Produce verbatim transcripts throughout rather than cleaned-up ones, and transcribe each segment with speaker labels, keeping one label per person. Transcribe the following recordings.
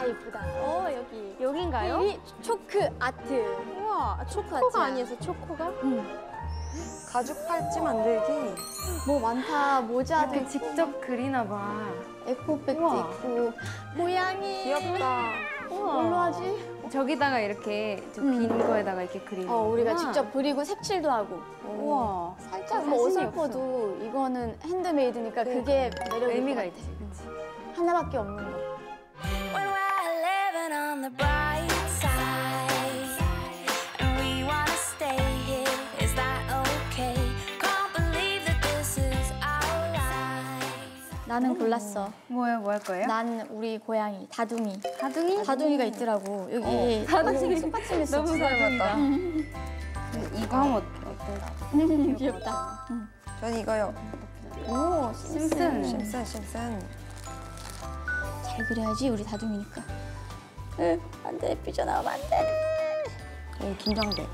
Speaker 1: 예쁘다. 어, 여기.
Speaker 2: 여긴가요?
Speaker 1: 여기 초크 아트.
Speaker 2: 우와, 초코가 아니어서 초코가?
Speaker 1: 응.
Speaker 3: 가죽 팔찌 만들기.
Speaker 1: 뭐 많다. 모자도
Speaker 2: 이렇게
Speaker 1: 있고.
Speaker 2: 직접 그리나 봐.
Speaker 1: 에코백도
Speaker 2: 우와.
Speaker 1: 있고. 고양이.
Speaker 3: 귀엽다.
Speaker 1: 우와. 뭘로 하지?
Speaker 2: 저기다가 이렇게 빈
Speaker 1: 음.
Speaker 2: 거에다가 이렇게 그리는
Speaker 1: 어, 우리가
Speaker 2: 거구나.
Speaker 1: 직접 그리고 색칠도 하고.
Speaker 2: 우와.
Speaker 1: 살짝
Speaker 2: 자신이
Speaker 1: 뭐
Speaker 2: 없어.
Speaker 1: 어설퍼도 이거는 핸드메이드니까 그게 매력이
Speaker 2: 의미가
Speaker 1: 있을 것
Speaker 2: 있지.
Speaker 1: 같아.
Speaker 2: 그치?
Speaker 1: 하나밖에 없는 거.
Speaker 4: When we're living on the bright side, and we wanna stay here, is that okay? Can't believe that this is our life.
Speaker 1: 나는 골랐어.
Speaker 2: 뭐예요? 뭐 할 거예요?
Speaker 1: 난 우리 고양이 다둥이.
Speaker 2: 다둥이?
Speaker 1: 다둥이가 있더라고. 여기
Speaker 2: 어, 다둥이.
Speaker 1: 손받침 있어.
Speaker 2: 너무 닮았다. 이거 하면 어떨까?
Speaker 1: 귀엽다. 응.
Speaker 3: 전 이거요.
Speaker 1: 오,
Speaker 2: 심슨.
Speaker 3: 심슨, 심슨.
Speaker 1: 잘 그려야지 우리 다둥이니까. 응, 안 돼. 삐져나오면 안 돼.
Speaker 3: 오, 긴장돼.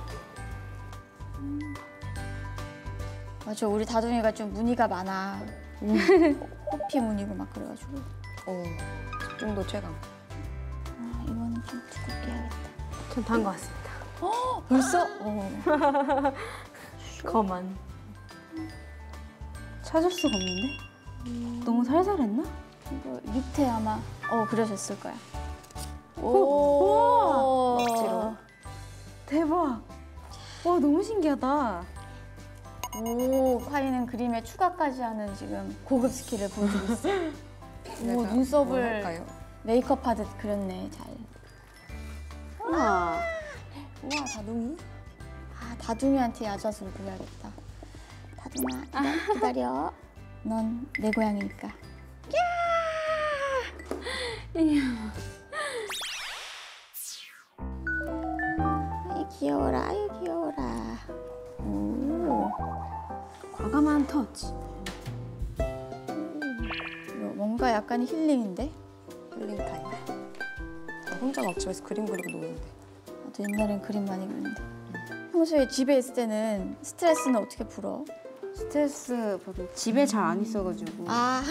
Speaker 1: 맞아, 우리 다둥이가 좀 무늬가 많아. 호피 무늬고 막 그래가지고.
Speaker 3: 오, 집중도 최강.
Speaker 1: 아, 이거는 좀 두껍게 해야겠다.
Speaker 2: 전 단 것 같습니다.
Speaker 1: 벌써? 어.
Speaker 2: 거만. 찾을 수가 없는데? 너무 살살했나?
Speaker 1: 이거 밑에 아마 어 그려졌을 거야.
Speaker 2: 오!
Speaker 3: 억지로.
Speaker 2: 대박. 와, 너무 신기하다.
Speaker 1: 오, 화이는 그림에 추가까지 하는 지금 고급 스킬을 보여주고 있어. 오,
Speaker 3: 뭘
Speaker 1: 눈썹을
Speaker 3: 할까요?
Speaker 1: 메이크업 하듯 그렸네, 잘.
Speaker 2: 우와.
Speaker 3: 우와, 다둥이.
Speaker 1: 아, 다둥이한테 야자수를 그려야겠다. 다둥아, 기다- 기다려. 넌 내 고양이니까. 아이, 귀여워라, 아이, 귀여워라. 오,
Speaker 2: 과감한 터치.
Speaker 1: 이거 뭔가 약간 힐링인데?
Speaker 3: 힐링 타임. 저 혼자 막 집에서 그림 그리고 노는데.
Speaker 1: 나도 옛날엔 그림 많이 그렸는데. 평소에 집에 있을 때는 스트레스는 어떻게 풀어?
Speaker 2: 스트레스 받아. 집에 잘 안 있어가지고.
Speaker 1: 아,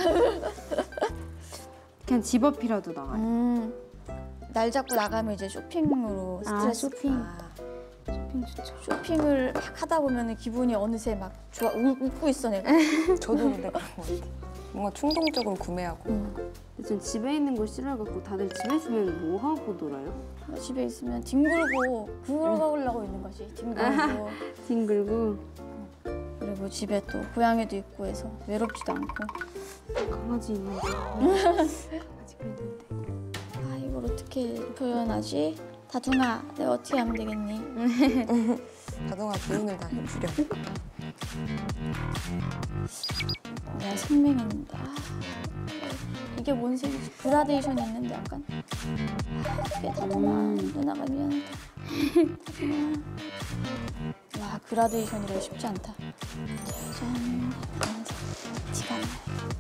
Speaker 2: 그냥 집 앞이라도 나가요.
Speaker 1: 음, 날 잡고 나가면 이제 쇼핑으로
Speaker 2: 아,
Speaker 1: 스트레스.
Speaker 2: 쇼핑.
Speaker 3: 아,
Speaker 2: 쇼핑 좋죠.
Speaker 1: 쇼핑을 막 하다 보면 기분이 어느새 막 좋아, 우, 웃고 있어 내가.
Speaker 3: 저도 근데 그런 것 같아. 뭔가 충동적으로 구매하고.
Speaker 1: 음.
Speaker 2: 전 집에 있는 걸 싫어해갖고 다들 집에 있으면 뭐 하고 놀아요?
Speaker 1: 집에 있으면 뒹굴고 굴러가려고 있는 거지. 뒹굴고.
Speaker 2: 뒹굴고.
Speaker 1: 그리고 집에 또 고양이도 있고 해서 외롭지도 않고.
Speaker 2: 강아지 있는데. 강아지가 있는데.
Speaker 1: 아, 이걸 어떻게 표현하지? 다둥아, 내가 어떻게 하면 되겠니?
Speaker 3: 다둥아 기운을 다 해주려.
Speaker 1: 내가 생명인데. 아, 이게 뭔 색이지? 그라데이션이 있는데 약간. 아, 어떻게 다둥아,
Speaker 2: 음.
Speaker 1: 누나가 미안하다. 다둥아. 와, 그라데이션이라 쉽지 않다. 짜잔. 티가 안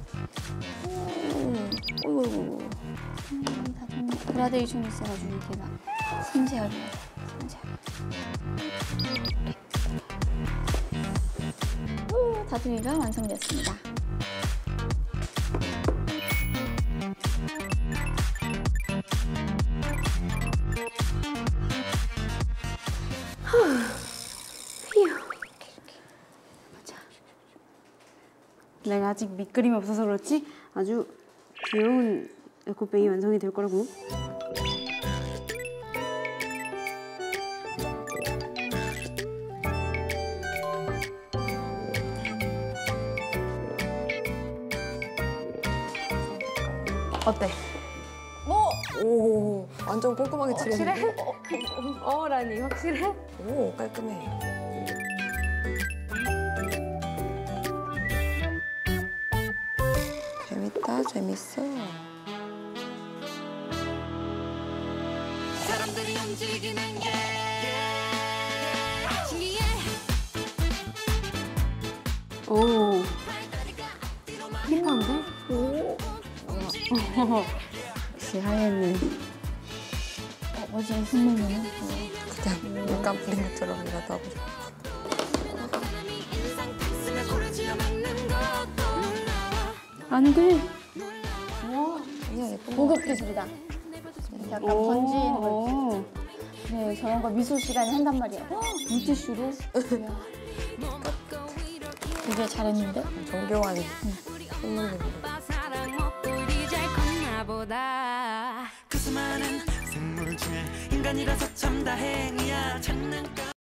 Speaker 1: 나요. 오, 어이구, 음, 다둥이 그라데이션이 있어가지고 이렇게 막 섬세하게, 섬세하게. 오, 다둥이가 완성됐습니다.
Speaker 2: 내가 아직 밑그림이 없어서 그렇지 아주 귀여운 에코백이 완성이 될 거라고. 어때?
Speaker 3: 오, 완전 꼼꼼하게 칠했네.
Speaker 2: 어라니 확실해?
Speaker 3: 오, 깔끔해. 재밌다, 재밌어.
Speaker 4: 사람들이 움직이는 게 신기해.
Speaker 2: 오. 힙한데?
Speaker 1: 오,
Speaker 2: 역시 하얘는.
Speaker 1: 어, 뭐지, 선배님은?
Speaker 3: 그냥 물감 뿌린 것처럼이라도 하고 싶어.
Speaker 2: 안 돼.
Speaker 1: 와,
Speaker 3: 아니야, 예쁜 거
Speaker 1: 고급
Speaker 3: 같아.
Speaker 1: 기술이다. 약간
Speaker 2: 오,
Speaker 1: 번지는 걸.
Speaker 2: 오.
Speaker 1: 네, 저런 거 미술 시간에 한단 말이야. 어, 물티슈로. 이야. 되게 잘했는데?
Speaker 3: 정교한 선물님.
Speaker 4: 사랑 먹고 이제 컸나 보다
Speaker 5: 그 수많은 생물 중에 인간이라서 참 다행이야 장난감